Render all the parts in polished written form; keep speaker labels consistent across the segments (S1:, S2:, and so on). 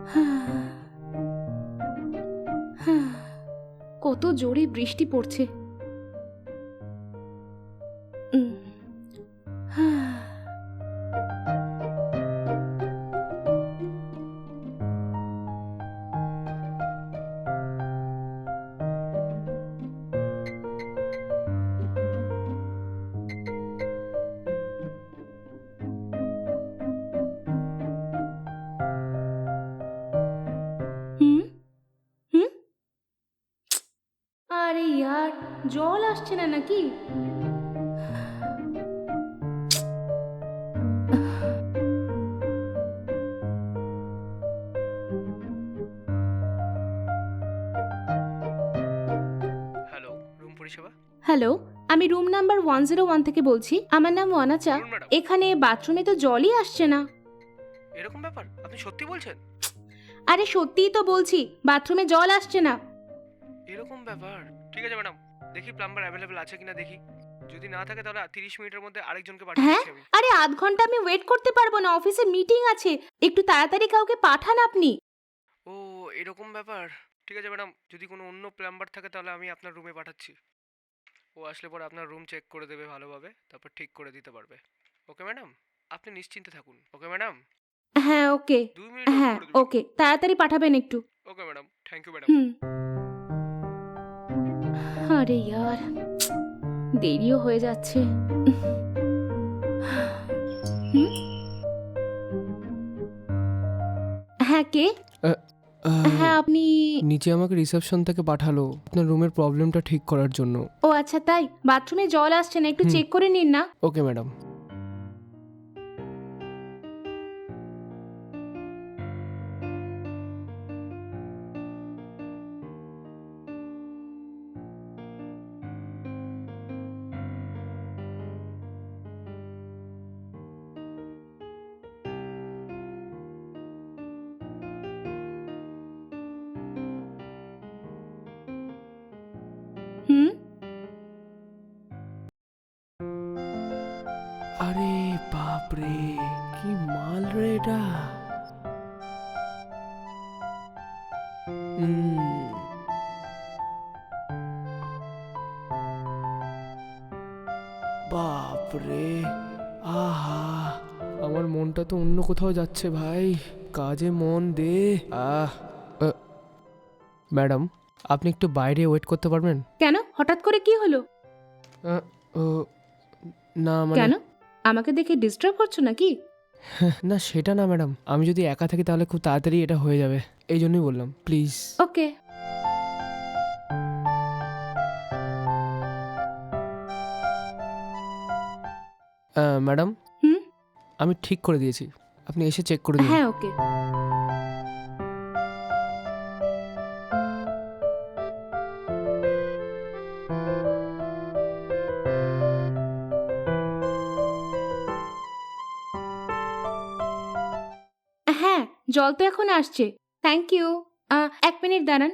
S1: কত জোরে বৃষ্টি পড়ছে। আরে ইয়ার, জল আসছে না নাকি?
S2: হ্যালো, রুম পরিষেবা।
S1: হ্যালো, আমি রুম নাম্বার 101 থেকে বলছি। আমার নাম ওয়ানাচা।
S2: বলুন ম্যাডাম।
S1: এখানে বাথরুমে তো জলই আসছে না।
S2: এরকম ব্যাপার? আপনি সত্যি বলছেন?
S1: আরে সত্যিই তো বলছি, বাথরুমে জল আসছে না।
S2: এরকম ব্যাপার? ঠিক আছে ম্যাডাম, দেখি প্লাম্বার অ্যাভেলেবল আছে কিনা দেখি। যদি না থাকে তাহলে 30 মিনিটের মধ্যে আরেকজনকে পাঠিয়ে
S1: হ্যাঁ,
S2: দিচ্ছি আমি।
S1: আরে আধ ঘন্টা আমি ওয়েট করতে পারবো না, অফিসে মিটিং আছে। একটু তাড়াতাড়ি কাউকে পাঠান আপনি।
S2: ও, এরকম ব্যাপার। ঠিক আছে ম্যাডাম, যদি কোনো অন্য প্লাম্বার থাকে তাহলে আমি আপনার রুমে পাঠাচ্ছি। ও আসলে পরে আপনার রুম চেক করে দেবে ভালোভাবে, তারপর ঠিক করে দিতে পারবে। ওকে ম্যাডাম, আপনি নিশ্চিন্তে থাকুন। Okay madam.
S1: হ্যাঁ ওকে।
S2: 2 মিনিট ওয়েট
S1: হ্যাঁ
S2: করে দেবেন।
S1: ওকে, তাড়াতাড়ি পাঠাবেন একটু।
S2: Okay madam, thank you madam.
S1: হুম। আরে ইয়ার, দেরিও হয়ে যাচ্ছে। হুম? হ্যাঁ কে? হ্যাঁ আপনি?
S2: নিচে আমাকে রিসেপশন থেকে পাঠালো আপনার রুমের প্রবলেমটা ঠিক করার জন্য।
S1: ও আচ্ছা তাই, বাথরুমে জল আসছে না, একটু
S2: হুম।
S1: চেক করে নিন না।
S2: Okay madam.
S1: হুম?
S2: আরে বাপরে, কি মাল রে এটা। বাপরে, আহা, আমার মনটা তো অন্য কোথাও যাচ্ছে ভাই। কাজে মন দে। ম্যাডাম, আপনি একটু বাইরে ওয়েট করতে পারবেন?
S1: কেন, হঠাৎ করে কি হলো?
S2: আহ, ও, না মানে
S1: কেন, আমাকে দেখে ডিস্টার্ব করছো নাকি?
S2: না সেটা না ম্যাডাম, আমি যদি একা থাকি তাহলে খুব তাড়াতাড়ি এটা হয়ে যাবে, এই জন্যই বললাম প্লিজ।
S1: ওকে।
S2: ম্যাডাম,
S1: হুম?
S2: আমি ঠিক করে দিয়েছি, আপনি এসে চেক করে দিন।
S1: হ্যাঁ ওকে। হ্যাঁ, জল তো এখন আসছে। Thank you. 1 মিনিট দাঁড়ান।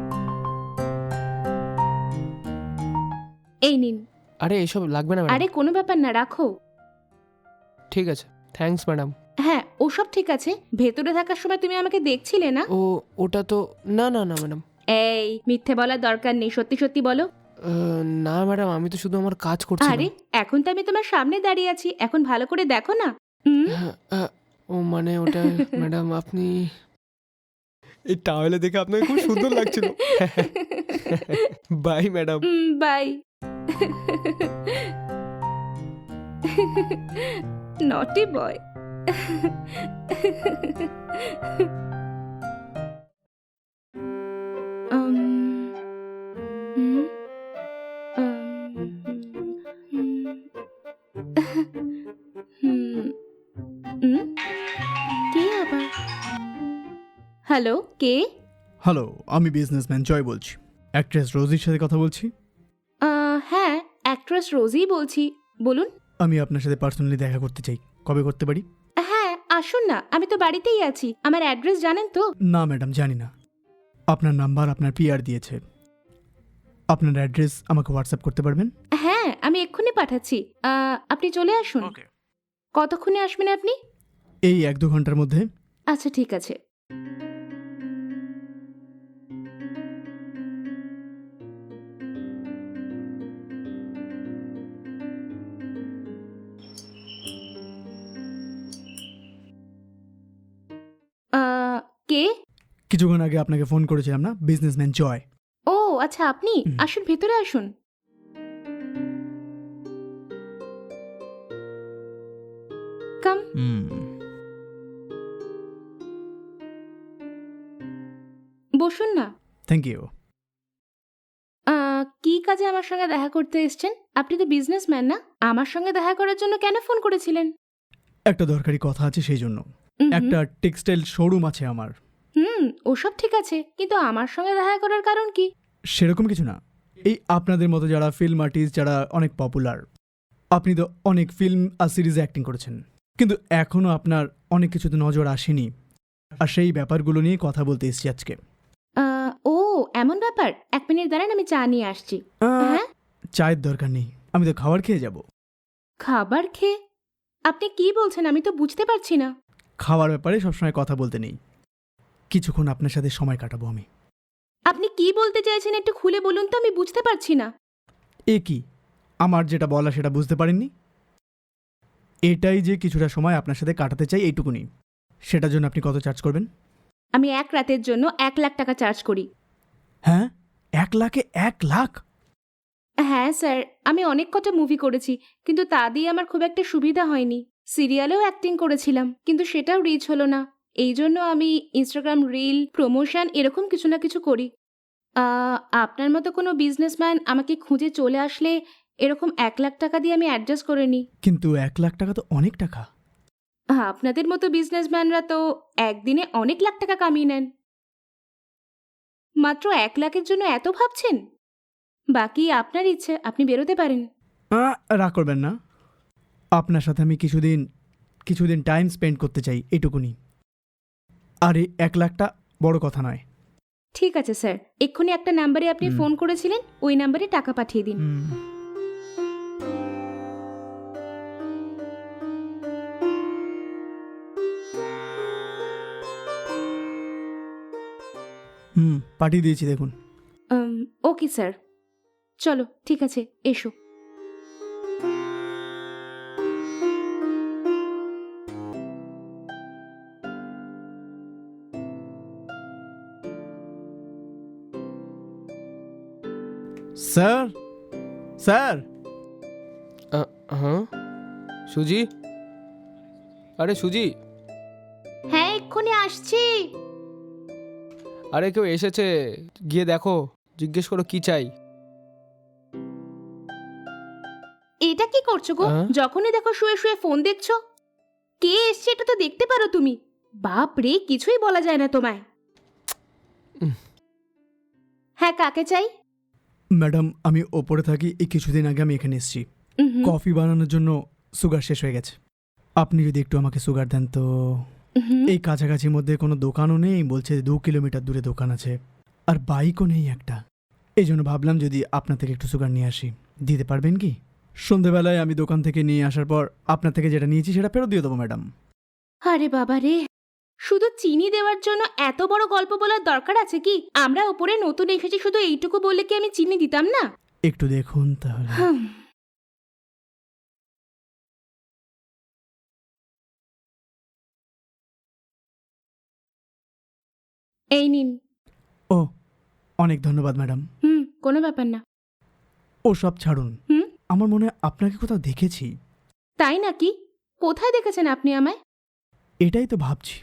S1: এই নিন।
S2: আরে এসব লাগবে না ম্যাডাম।
S1: আরে কোনো ব্যাপার না, রাখো।
S2: ঠিক আছে, থ্যাঙ্কস ম্যাডাম।
S1: হ্যাঁ ওসব ঠিক আছে, ভেতরে থাকার সময় তুমি আমাকে দেখছিলে না?
S2: ও, ওটা তো না না না ম্যাডাম।
S1: এই মিথ্যে বলার দরকার নেই, সত্যি সত্যি বলো।
S2: না ম্যাডাম, আমি তো শুধু আমার কাজ করছিলাম।
S1: আরে এখন তো আমি তোমার সামনে দাঁড়িয়ে আছি, এখন ভালো করে দেখো না। হুম?
S2: ও মানে ওটা ম্যাডাম আপনি এই টাওয়েলে দেখে আপনাকে খুব সুন্দর লাগছিল। Bye madam.
S1: Bye. Naughty boy. কে আবার? হ্যালো, কে?
S3: হ্যালো, আমি বিজনেসম্যান জয় বলছি। অ্যাক্ট্রেস রোজির সাথে কথা বলছি।
S1: হ্যাঁ, অ্যাক্ট্রেস রোজি বলছি, বলুন।
S3: আমি আপনার সাথে পার্সোনালি দেখা করতে চাই, কবে করতে পারি?
S1: হ্যাঁ আসুন না, আমি তো বাড়িতেই আছি। আমার অ্যাড্রেস জানেন তো?
S3: না ম্যাডাম, জানি না। আপনার নাম্বার আপনার পিআর দিয়েছে। আপনার অ্যাড্রেস আমাকে হোয়াটসঅ্যাপ করতে পারবেন?
S1: হ্যাঁ আমি এক্ষুনি পাঠাচ্ছি। আপনি চলে আসুন। কতক্ষণে আসবেন আপনি?
S3: এই 1-2 ঘন্টার মধ্যে।
S1: আচ্ছা ঠিক আছে। কে?
S3: কিছুক্ষণ আগে আপনাকে ফোন করেছিলাম না, বিজনেসম্যান জয়।
S1: ও আচ্ছা, আপনি আসুন, ভেতরে আসুন। কাম। বসুন না।
S3: Thank you.
S1: কি কাজে আমার সঙ্গে দেখা করতে এসেছেন? আপনি তো বিজনেসম্যান না? আমার সঙ্গে দেখা করার জন্য কেন ফোন করেছিলেন?
S3: একটা দরকারি কথা আছে সেই জন্য।
S1: হুম,
S3: একটা টেক্সটাইল শোরুম আছে আমার।
S1: ওসব ঠিক আছে, কিন্তু আমার সঙ্গে দেখা করার কারণ কি?
S3: সেরকম কিছু না, এই আপনাদের মতো যারা ফিল্ম আর্টিস্ট, যারা অনেক পপুলার, আপনি তো অনেক ফিল্ম আর সিরিজে অ্যাক্টিং করেছেন, কিন্তু এখনও আপনার অনেক কিছুতে নজর আসেনি, আর সেই ব্যাপারগুলো নিয়ে কথা বলতে এসেছি আজকে।
S1: ও এমন ব্যাপার। 1 মিনিট দাঁড়ান, আমি চা নিয়ে আসছি। হ্যাঁ,
S3: চায়ের দরকার নেই, আমি তো খাবার খেয়ে যাব।
S1: খাবার খেয়ে? আপনি কি বলছেন? আমি তো বুঝতে পারছি না।
S3: খাওয়ার ব্যাপারে সবসময় কথা বলতে নেই, কিছুক্ষণ আপনার সাথে সময় কাটাবো আমি।
S1: আপনি কি বলতে চাইছেন একটু খুলে বলুন তো, আমি বুঝতে পারছি না।
S3: এ কি, আমার যেটা বলা সেটা বুঝতে পারেননি? এটাই যে কিছুটা সময় আপনার সাথে কাটাতে চাই, এইটুকুনি। সেটার জন্য আপনি কত চার্জ করবেন?
S1: আমি 1 রাতের জন্য 1 লাখ টাকা চার্জ করি।
S3: হ্যাঁ, 1 লাখে 1 লাখ?
S1: হ্যাঁ স্যার, আমি অনেক কটা মুভি করেছি, কিন্তু তা দিয়ে আমার খুব একটা সুবিধা হয়নি। সিরিয়ালেও অ্যাক্টিং করেছিলাম, কিন্তু সেটাও রিচ হলো না। এই জন্য আমি ইনস্টাগ্রাম রিল, প্রমোশন এরকম কিছু না কিছু করি। আপনার মতো কোনো বিজনেসম্যান আমাকে খুঁজে চলে আসলে এরকম 1 লাখ টাকা দিয়ে আমি অ্যাডজাস্ট করে নিই।
S3: কিন্তু 1 লাখ টাকা তো অনেক টাকা।
S1: আপনাদের মতো বিজনেসম্যানরা তো একদিনে অনেক লাখ টাকা কামিয়ে নেন। মাত্র 1 লাখের জন্য এত ভাবছেন? বাকি আপনার ইচ্ছে, আপনি বেরোতে পারেন।
S3: রাগ করবেন না, আপনার সাথে আমি কিছুদিন টাইম স্পেন্ড করতে চাই, এইটুকুনি। আর এই 1 লাখটা বড় কথা নয়।
S1: ঠিক আছে স্যার, এক্ষুনি একটা নাম্বারে আপনি ফোন করেছিলেন, ওই নাম্বারে টাকা পাঠিয়ে দিন।
S3: পাঠিয়ে দিয়েছি, দেখুন।
S1: ওকে স্যার, চলো ঠিক আছে, এসো।
S3: Sir, sir.
S2: হ্যাঁ সুজি, আরে সুজি,
S1: হ্যাঁ এক্ষুনি আসছি।
S2: আরে কেউ এসেছে, গিয়ে দেখো, জিজ্ঞেস করো কি চাই।
S1: এটা কি করছো গো? যখনই দেখো শুয়ে শুয়ে ফোন দেখছো। কে এসছে এটা তো দেখতে পারো তুমি। বাপ রে, কিছুই বলা যায় না তোমায়। হ্যাঁ, কাকে চাই?
S3: ম্যাডাম, আমি ওপরে থাকি, এই কিছুদিন আগে আমি এখানে এসেছি। কফি বানানোর জন্য সুগার শেষ হয়ে গেছে। আপনি যদি একটু আমাকে সুগার দেন তো। এই কাছাকাছির মধ্যে কোনো দোকানও নেই, বলছে 2 কিলোমিটার দূরে দোকান আছে, আর বাইকও নেই একটা। এই জন্য ভাবলাম যদি আপনার থেকে একটু সুগার নিয়ে আসি, দিতে পারবেন কি? সন্ধেবেলায় আমি দোকান থেকে নিয়ে আসার পর আপনার থেকে যেটা নিয়েছি সেটা ফেরত দিয়ে দেবো ম্যাডাম।
S1: আরে বাবা রে, শুধু চিনি দেওয়ার জন্য এত বড় গল্প বলার দরকার আছে কি? আমরা ওপরে নতুন এসেছি, শুধু এইটুকু বললে কি আমি চিনি দিতাম না?
S3: একটু দেখুন তাহলে।
S1: এই নিন।
S3: ও, অনেক ধন্যবাদ ম্যাডাম।
S1: কোনো ব্যাপার না।
S3: ও সব ছাড়ুন, আমার মনে হয় আপনাকে কোথাও দেখেছি।
S1: তাই নাকি? কোথায় দেখেছেন আপনি আমায়?
S3: এটাই তো ভাবছি।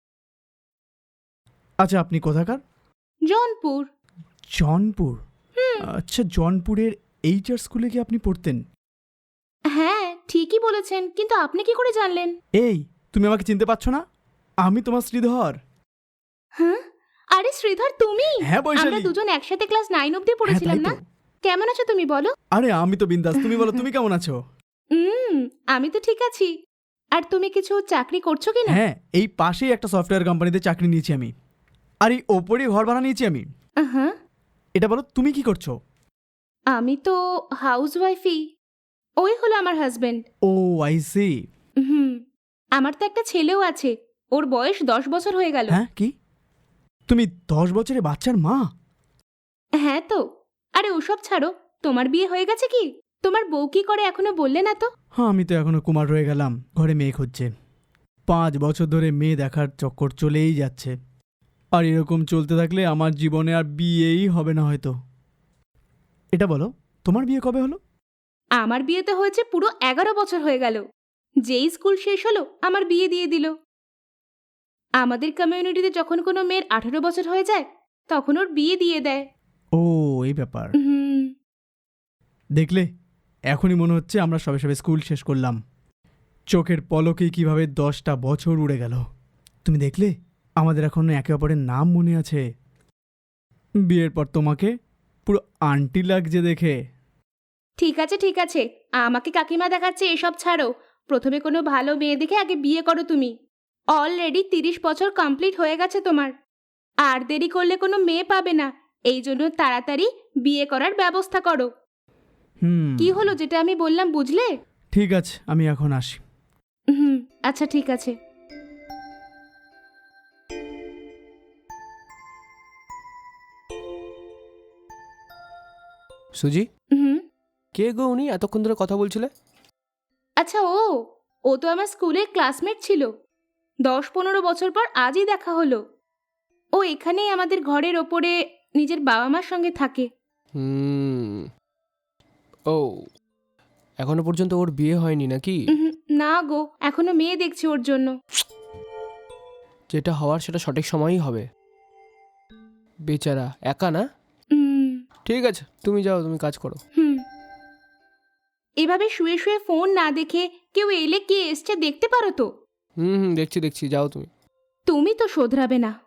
S3: আচ্ছা, আপনি কোথাকার?
S1: জৌনপুর।
S3: জৌনপুর? আচ্ছা, জৌনপুরের এইচআর স্কুলে কি আপনি পড়তেন?
S1: হ্যাঁ ঠিকই বলেছেন, কিন্তু আপনি কি করে জানলেন?
S3: এই, তুমি আমাকে চিনতে পারছো না? আমি তোমার শ্রীধর।
S1: হ্যাঁ, আরে শ্রীধর তুমি?
S3: হ্যাঁ বৈশালী।
S1: আমরা দুজন একসাথে ক্লাস 9 অবধি পড়েছিলাম না? কেমন আছো তুমি বলো?
S3: আরে আমি তো বিন্দাস, তুমি বলো তুমি কেমন আছো?
S1: আমি তো ঠিক আছি। আর তুমি কিছু চাকরি করছো কি না?
S3: হ্যাঁ, এই পাশেই একটা সফটওয়্যার কোম্পানিতে চাকরি নিয়েছি আমি, আর এই ওপরেই ঘর ভাড়া নিয়েছি আমি।
S1: হ্যাঁ।
S3: এটা বলো তুমি কি করছো?
S1: আমি তো হাউসওয়াইফই। ওই হলো আমার হাজবেন্ড।
S3: O I C.
S1: আমার তো একটা ছেলেও আছে, ওর বয়স 10 বছর হয়ে গেল।
S3: হ্যাঁ, কি তুমি 10 বছরের বাচ্চার মা?
S1: হ্যাঁ তো। আরে ওসব ছাড়ো, তোমার বিয়ে হয়ে গেছে কি? তোমার বউ কি করে এখনো বললে না তো?
S3: হ্যাঁ, আমি তো এখনো কুমার রয়ে গেলাম, ঘরে মেয়ে খুঁজছে। 5 বছর ধরে মেয়ে দেখার চক্কর চলেই যাচ্ছে, আর এরকম চলতে থাকলে আমার জীবনে আর বিয়েই হবে না হয়তো। এটা বলো, তোমার বিয়ে কবে হলো?
S1: আমার বিয়েতে হয়েছে পুরো 11 বছর হয়ে গেল। যেই স্কুল শেষ হলো আমার বিয়ে দিয়ে দিল। আমাদের কমিউনিটিতে যখন কোনো মেয়ের 18 বছর হয়ে যায় তখন ওর বিয়ে দিয়ে দেয়।
S3: ও, এই ব্যাপার।
S1: হুম।
S3: দেখলে, এখনই মনে হচ্ছে আমরা সবে সবে স্কুল শেষ করলাম। চোখের পলকেই কিভাবে 10টা বছর উড়ে গেল। তুমি দেখলে, আমাদের এখনো একে অপরের নাম মনে আছে। বিয়ের পর তোমাকে পুরো আন্টি লাগছে দেখে।
S1: ঠিক আছে ঠিক আছে, আমাকে কাকিমা দেখাচ্ছে এসব ছাড়ো। প্রথমে কোনো ভালো মেয়ে দেখে আগে বিয়ে করো তুমি। অলরেডি 30 বছর কমপ্লিট হয়ে গেছে তোমার। আর দেরি করলে কোনো মেয়ে পাবে না। এই জন্য তাড়াতাড়ি বিয়ে করার ব্যবস্থা করো। কি হলো যেটা আমি বললাম বুঝলে?
S3: ঠিক আছে, আমি এখন আসি।
S1: হুম, আচ্ছা ঠিক আছে।
S2: সুজি,
S1: হুম।
S2: কে গো উনি? এতক্ষণ ধরে কথা বলছিলে।
S1: আচ্ছা, ও তো আমার স্কুলের ক্লাসমেট ছিল। 10-15 বছর পর আজই দেখা হলো। ও এখানেই আমাদের ঘরের ওপরে নিজের বাবা মার সঙ্গে থাকে।
S2: ও, এখনো পর্যন্ত ওর বিয়ে হয়নি নাকি?
S1: না গো, এখনো মেয়ে দেখছি ওর জন্য।
S2: যেটা হওয়ার সেটা সঠিক সময়ই হবে। বেচারা একা না?
S1: হুম।
S2: ঠিক আছে, তুমি যাও, তুমি কাজ করো।
S1: এভাবে শুয়ে শুয়ে ফোন না দেখে কেউ এলে কে এসছে দেখতে পারো তো?
S2: হুম, দেখছি যাও তুমি।
S1: তুমি তো শোধরাবে না।